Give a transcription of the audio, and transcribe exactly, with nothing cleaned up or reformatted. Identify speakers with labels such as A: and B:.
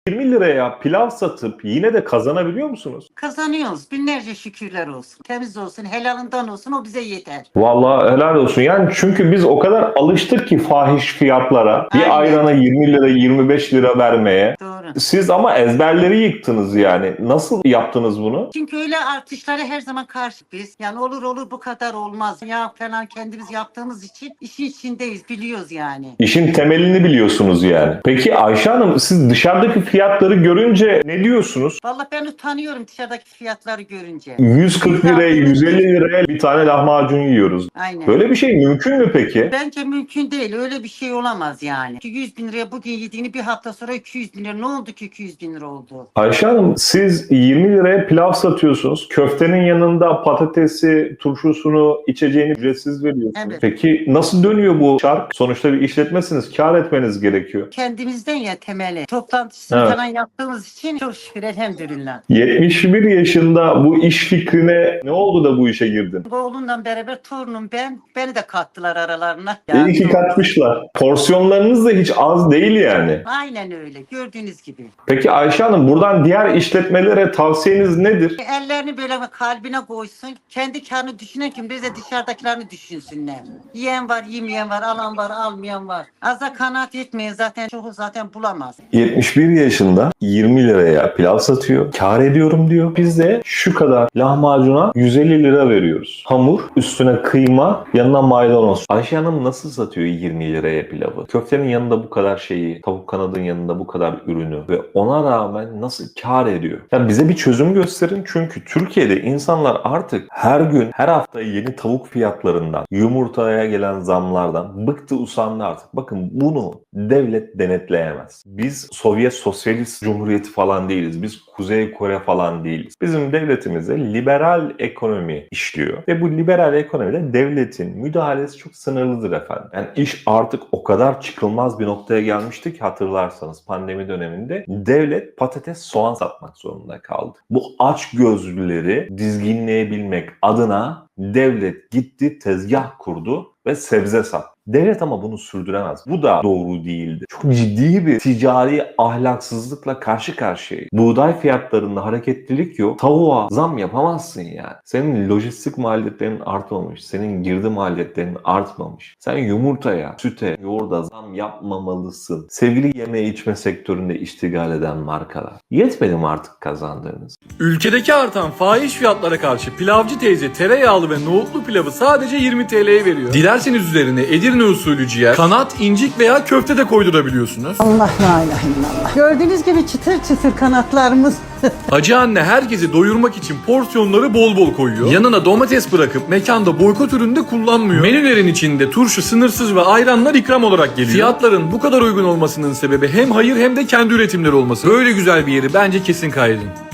A: yirmi liraya pilav satıp yine de kazanabiliyor musunuz?
B: Kazanıyoruz. Binlerce şükürler olsun. Temiz olsun, helalından olsun, o bize yeter.
A: Vallahi helal olsun. Yani çünkü biz o kadar alıştık ki fahiş fiyatlara. Bir
B: Aynen.
A: ayrana yirmi lira, yirmi beş lira vermeye.
B: Doğru.
A: Siz ama ezberleri yıktınız yani. Nasıl yaptınız bunu?
B: Çünkü öyle artışlara her zaman karşı biz. Yani olur olur bu kadar olmaz. Ya falan kendimiz yaptığımız için işin içindeyiz, biliyoruz yani.
A: İşin temelini biliyorsunuz yani. Peki Ayşe Hanım, siz dışarıdaki fiyatları görünce ne diyorsunuz?
B: Vallahi ben utanıyorum dışarıdaki fiyatları görünce.
A: yüz kırk liraya, yüz elli liraya bir tane lahmacun yiyoruz.
B: Aynen.
A: Böyle bir şey mümkün mü peki?
B: Bence mümkün değil. Öyle bir şey olamaz yani. yüz bin liraya bugün yediğini bir hafta sonra iki yüz bin lira. Ne oldu ki iki yüz bin lira oldu?
A: Ayşe Hanım, siz yirmi liraya pilav satıyorsunuz. Köftenin yanında patatesi, turşusunu, içeceğini ücretsiz veriyorsunuz.
B: Evet.
A: Peki nasıl dönüyor bu çark? Sonuçta bir işletmesiniz. Kâr etmeniz gerekiyor.
B: Kendimizden ya temeli. Toplantısını
A: Evet.
B: falan yaptığımız için çok şükür elhamdülillah.
A: yetmiş bir yaşında bu iş fikrine ne oldu da bu işe girdin?
B: Oğlumla beraber torunum ben. Beni de kattılar aralarına.
A: İyi ki katmışlar. Porsiyonlarınız da hiç az değil yani.
B: Aynen öyle. Gördüğünüz gibi.
A: Peki Ayşe Hanım, buradan diğer işletmelere tavsiyeniz nedir?
B: Ellerini böyle kalbine koysun. Kendi karnını düşünen kim? Bir de dışarıdakilerini düşünsünler. Yiyen var, yemeyen var, alan var, almayan var. Az da kanaat etmeyin, zaten çoğu zaten bulamaz.
A: yetmiş bir yaşında yirmi liraya pilav satıyor. Kâr ediyorum diyor. Biz de şu kadar lahmacuna yüz elli lira veriyoruz. Hamur, üstüne kıyma, yanına maydanoz. Ayşe Hanım nasıl satıyor yirmi liraya pilavı? Köftenin yanında bu kadar şeyi, tavuk kanadın yanında bu kadar ürünü ve ona rağmen nasıl kâr ediyor? Ya bize bir çözüm gösterin, çünkü Türkiye'de insanlar artık her gün, her hafta yeni tavuk fiyatlarından, yumurtaya gelen zamlardan bıktı, usandı artık. Bakın, bunu devlet denetleyemez. Biz Sovyet Sosyalist Cumhuriyeti falan değiliz. Biz Kuzey Kore falan değiliz. Bizim devletimizde liberal ekonomi işliyor. Ve bu liberal ekonomide devletin müdahalesi çok sınırlıdır efendim. Yani iş artık o kadar çıkılmaz bir noktaya gelmişti ki, hatırlarsanız pandemi döneminde devlet patates, soğan satmak zorunda kaldı. Bu aç gözlüleri dizginleyebilmek adına devlet gitti, tezgah kurdu ve sebze sattı. Devlet ama bunu sürdüremez. Bu da doğru değildi. Çok ciddi bir ticari ahlaksızlıkla karşı karşıyayız. Buğday fiyatlarında hareketlilik yok. Tavuğa zam yapamazsın yani. Senin lojistik maliyetlerin artmamış. Senin girdi maliyetlerin artmamış. Sen yumurtaya, süte, yoğurda zam yapmamalısın. Sevgili yeme içme sektöründe iştigal eden markalar. Yetmedi mi artık kazandığınız?
C: Ülkedeki artan fahiş fiyatlara karşı pilavcı teyze tereyağlı ve nohutlu pilavı sadece yirmi T L'ye veriyor. Dilerseniz üzerine Edirne usulü ciğer, kanat, incik veya köfte de koydurabiliyorsunuz.
B: Allah la ilahe illallah. Gördüğünüz gibi çıtır çıtır kanatlarımız.
C: Hacı anne herkesi doyurmak için porsiyonları bol bol koyuyor. Yanına domates bırakıp mekanda boykot ürünü de kullanmıyor. Menülerin içinde turşu sınırsız ve ayranlar ikram olarak geliyor. Fiyatların bu kadar uygun olmasının sebebi hem hayır hem de kendi üretimleri olması. Böyle güzel bir yeri bence kesin kaydedin.